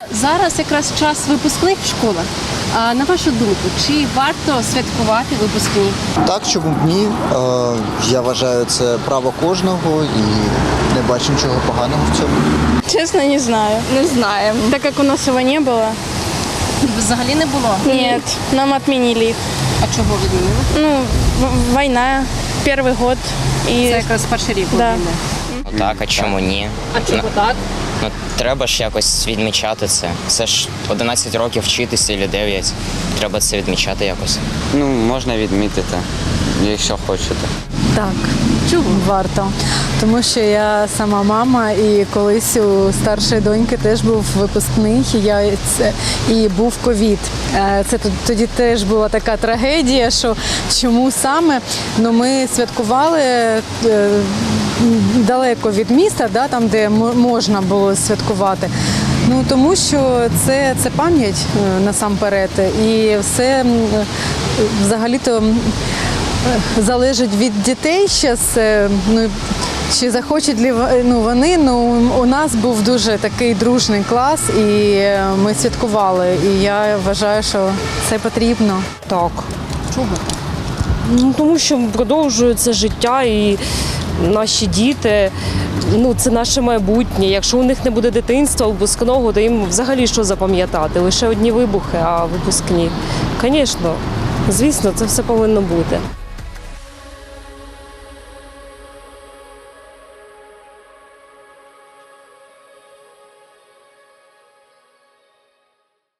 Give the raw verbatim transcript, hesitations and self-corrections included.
Зараз якраз час випускних в школах. А на вашу думку, чи варто святкувати випускні? Так, чому б ні? Е, Я вважаю, це право кожного і не бачу нічого поганого в цьому. Честно, не знаю. Не знаем. Так как у нас его не было. Взагалі не було? Нет, нам отменили их. А чого відмінили? Ну, в- война, первый год. Це И якраз перший рік Да. війни. Ну так, а чому ні? А чого так? Ну, треба ж якось відмічати це. Це ж одинадцять років вчитися або дев'ять. Треба це відмічати якось. Ну, можна відмітити, якщо хочете. Так, Чого? варто. Тому що я сама мама, і колись у старшої доньки теж був випускний, і, я, це, і був ковід. Е, Це тут- тоді теж була така трагедія, що чому саме? Ну, ми святкували е, далеко від міста, да, там, де м- можна було святкувати. Ну, тому що це, це пам'ять е, насамперед. І все м, е, взагалі-то м, е, залежить від дітей зараз. Ну, чи захочуть ли в- ну, вони, ну у нас був дуже такий дружний клас, і е, ми святкували. І я вважаю, що це потрібно. Так. Чого? Ну, тому що продовжується життя і наші діти, ну, це наше майбутнє. Якщо у них не буде дитинства, випускного, то їм взагалі що запам'ятати? Лише одні вибухи, а випускні. Звісно, звісно, це все повинно бути.